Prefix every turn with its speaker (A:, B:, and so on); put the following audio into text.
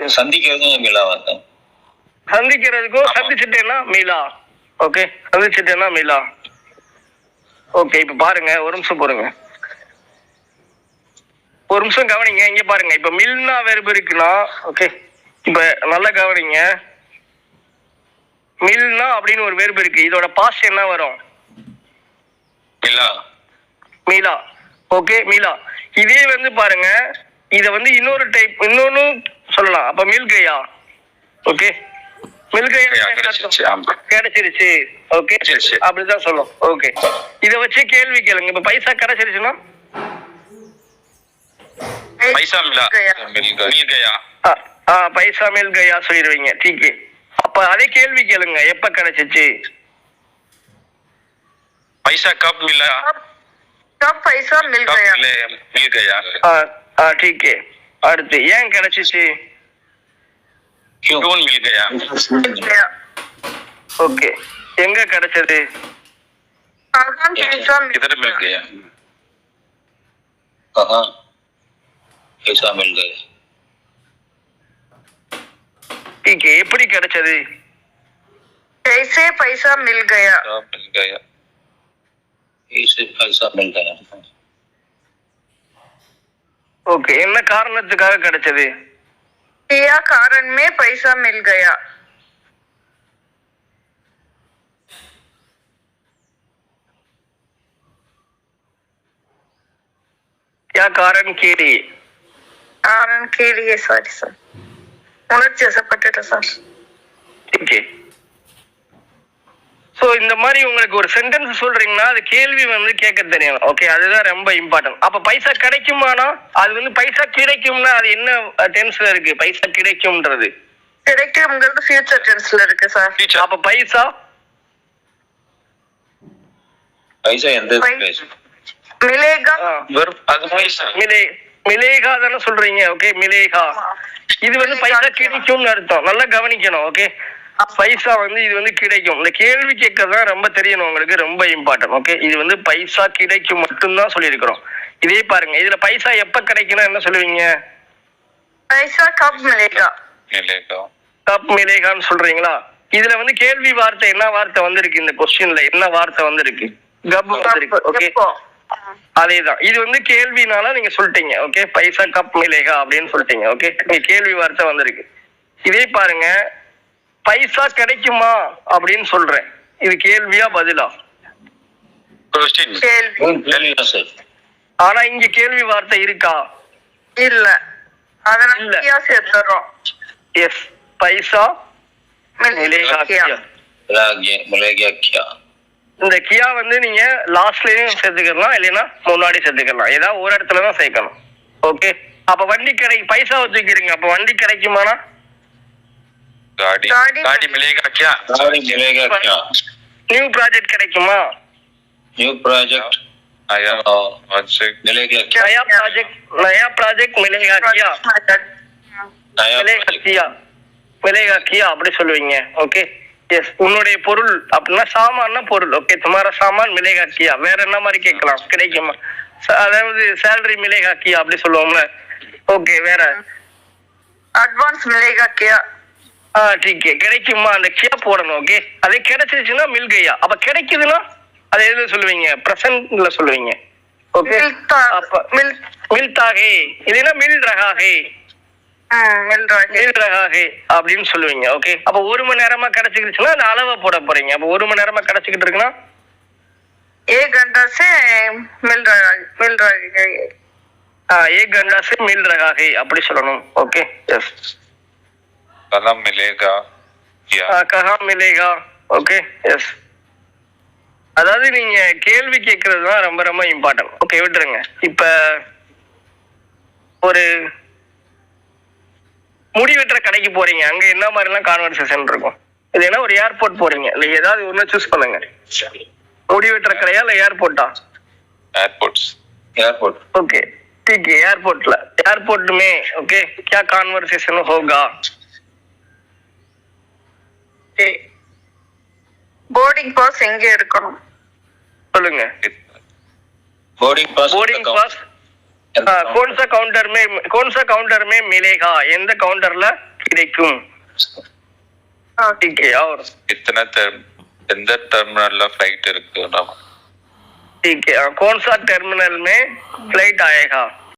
A: சந்திக்கிறதும் மிலாவா?
B: சந்திக்கிறதுக்கும் சந்திச்சுட்டேன்னா மீலா. Okay, சந்திச்சுட்டேன்னா மீலா. Okay, இப்ப பாருங்க, ஒரு நிமிஷம் போருங்க, ஒரு நிமிஷம் கவனிங்க. இங்க பாருங்க, இப்ப மில்னா வெர்பு இருக்குன்னா, ஓகே, இப்ப நல்லா கவனிங்க. மில்னா அப்படின்னு ஒரு வெர்பு இருக்கு, இதோட பாஸ்ட் என்ன வரும்? மீலா. ஓகே, மீலா. இதே வந்து பாருங்க, இத வந்து இன்னொரு டைப், இன்னொன்னு சொல்லலாம். அப்ப மில்கையா. ஓகே, மில்கையா கிடைச்சிருச்சு. ஓகே, அப்படிதான் சொல்லும். ஓகே, இத வச்சு கேள்வி கேளுங்க. இப்ப பைசா கிடைச்சிருச்சுன்னா
A: பைசா
B: மில் கயா சொல்லிடுவீங்க. டீக்கு. அப்ப அதே கேள்வி கேளுங்க, எப்ப கிடைச்சிச்சு?
A: பைசா கப் மிலா?
C: கப் பைசா மில் கயா.
B: ठीक है. அடுத்து ஏன் கிடைச்சிச்சு?
A: क्यों मिल गया?
B: ओके, எங்க கிடைச்சது?
A: किधर मिल गया? कहाँ पैसा मिल गया?
B: ठीक है, எப்படி கிடைச்சது?
C: कैसे पैसा मिल गया?
A: ऐसे पैसा मिल गया.
B: ओके, என்ன காரணத்துக்காக கிடைச்சது?
C: क्या कारण में पैसा मिल गया?
B: क्या कारण के लिए?
C: कारण के लिए. सॉरी सर, उन्नत जैसा पटेटा सर.
B: ठीक है. சோ இந்த மாதிரி உங்களுக்கு ஒரு சென்டென்ஸ் சொல்றீங்கன்னா அது கேள்வி வந்து கேட்க தெரியணும். ஓகே, அதுதான் ரொம்ப இம்பார்ட்டன்ட். அப்ப பைசா கிடைக்குமானா அது வந்து பைசா கிடைக்கும்னா அது என்ன டென்ஸ்ல இருக்கு? பைசா கிடைக்கும்ன்றது
C: கிடைக்கும்ங்கிறது ஃபியூச்சர் டென்ஸ்ல இருக்கு சார்.
B: அப்ப பைசா
A: எந்த
C: மிலேகா.
A: அது பைசா
B: மிலேகா தானே சொல்றீங்க? ஓகே, மிலேகா. இது வந்து பைசா கிடைக்கும்னு அர்த்தம். நல்லா கவனிக்கணும். ஓகே, பைசா வந்து இது வந்து கிடைக்கும். இந்த கேள்வி கேட்கறதா ரொம்ப தெரியணும் உங்களுக்கு, ரொம்ப இம்பார்ட்டன்ட். ஓகே, இது வந்து பைசா கிடைக்கும் மட்டும்தான் சொல்லியிருக்கிறோம். இதே பாருங்க, இதுல பைசா எப்ப கிடைக்கும்னா என்ன சொல்லுவீங்க?
C: பைசா கப் மிலேகா.
B: கப் மிலேகான்னு சொல்றீங்களா? இதுல வந்து கேள்வி வார்த்தை என்ன வார்த்தை வந்திருக்கு? இந்த கொஸ்டின்ல என்ன வார்த்தை வந்திருக்கு? கப் வந்திருக்கு. ஓகே, அதேதான். இது வந்து கேள்வினால நீங்க சொல்லிட்டீங்க. ஓகே, பைசா கப் மிலேகா அப்படின்னு சொல்லிட்டீங்க. ஓகே, நீங்க கேள்வி வார்த்தை வந்திருக்கு. இதே பாருங்க, பைசா கிடைக்குமா அப்படின்னு சொல்றேன். இது கேள்வியா பதிலா? ஆனா இங்க கேள்வி வார்த்தை இருக்கா?
C: இல்ல, அதனால சேர்த்துறோம்.
B: எஸ், பைசா மிலேகா கியா. இந்த கியா வந்து நீங்க லாஸ்ட்லயும் சேர்த்துக்கலாம், இல்லைன்னா முன்னாடி சேர்த்துக்கலாம். ஏதாவது ஒரு இடத்துலதான் சேர்க்கணும். ஓகே, அப்ப வண்டி பைசா வச்சுக்கிறீங்க. அப்ப வண்டி கிடைக்குமானா
A: गाड़ी मिलेगा क्या?
B: நியூ ப்ராஜெக்ட் கிடைக்குமா?
A: न्यू प्रोजेक्ट आया मिलेगा क्या?
B: नया प्रोजेक्ट मिलेगा क्या? मिलेगा क्या அப்படி சொல்லுவீங்க. Okay, yes. உன்னுடைய பொருள் அப்படின்னா சாமான்னா பொருள். ஓகே, துமாரா சாமான் மிலேகா கியா. வேற என்ன மாதிரி கேட்கலாம்? கிடைக்குமா? அதாவது சேலரி மிலேகா கியா அப்படி சொல்லுவோம்ல. ஓகே, வேற
C: அட்வான்ஸ் மிலேகா கியா.
B: ठीक है, கிடைக்குமா அந்த கியா போடணும். ஓகே, அது கிடைச்சிருச்சுன்னா மில் கயா. அப்ப கிடைக்குதுன்னா அது எதுல சொல்லுவீங்க? பிரசன்ட்ல சொல்லுவீங்க. ஓகே, அப்ப மில்தா ஹே, இல்லைன்னா மில் ரஹா ஹே. மில் ரஹா ஹே அப்படின்னு சொல்லுவீங்க. ஓகே, அப்ப ஒரு மணி நேரமா கிடைச்சிக்கிச்சுன்னா அந்த அளவை போட போறீங்க. அப்ப ஒரு மணி நேரமா கிடைச்சிக்கிட்டு இருக்குன்னா
C: एक घंटा से मिल रहा है.
B: एक घंटा से मिल रहा है அப்படி சொல்லணும். Okay, yes.
A: कहाँ मिलेगा क्या?
B: कहाँ मिलेगा. Okay, yes. அதாவது நீங்க கேள்வி கேட்கறது தான் ரொம்ப ரொம்ப இம்பார்ட்டன்ட். ஓகே, விட்டுருங்க. இப்ப ஒரு முடி வெட்டுற கடைக்கு போறீங்க, அங்க என்ன மாதிரி எல்லாம் கான்வர்சேஷன் இருக்கும்? இது என்ன ஒரு ஏர்போர்ட் போறீங்க, இல்ல ஏதாவது ஒண்ணு சூஸ் பண்ணுங்க. முடி வெட்டுற கடையா இல்ல ஏர்போர்ட்டா?
A: एयरपोर्ट.
B: ओके, ठीक है, एयरपोर्ट में ओके क्या कॉन्वर्सेशन होगा?
C: போர்டிங் பாஸ் எங்க எடுக்கணும்
B: சொல்லுங்க.
A: बोर्डिंग पास
B: कौन सा काउंटर में मिलेगा? எந்த கவுண்டர்ல கிடைக்கும். ठीक है और
A: कितना எந்த टर्मिनल फ्लाइट இருக்கு நம்ம?
B: ठीक है कौन सा टर्मिनल में फ्लाइट आएगा?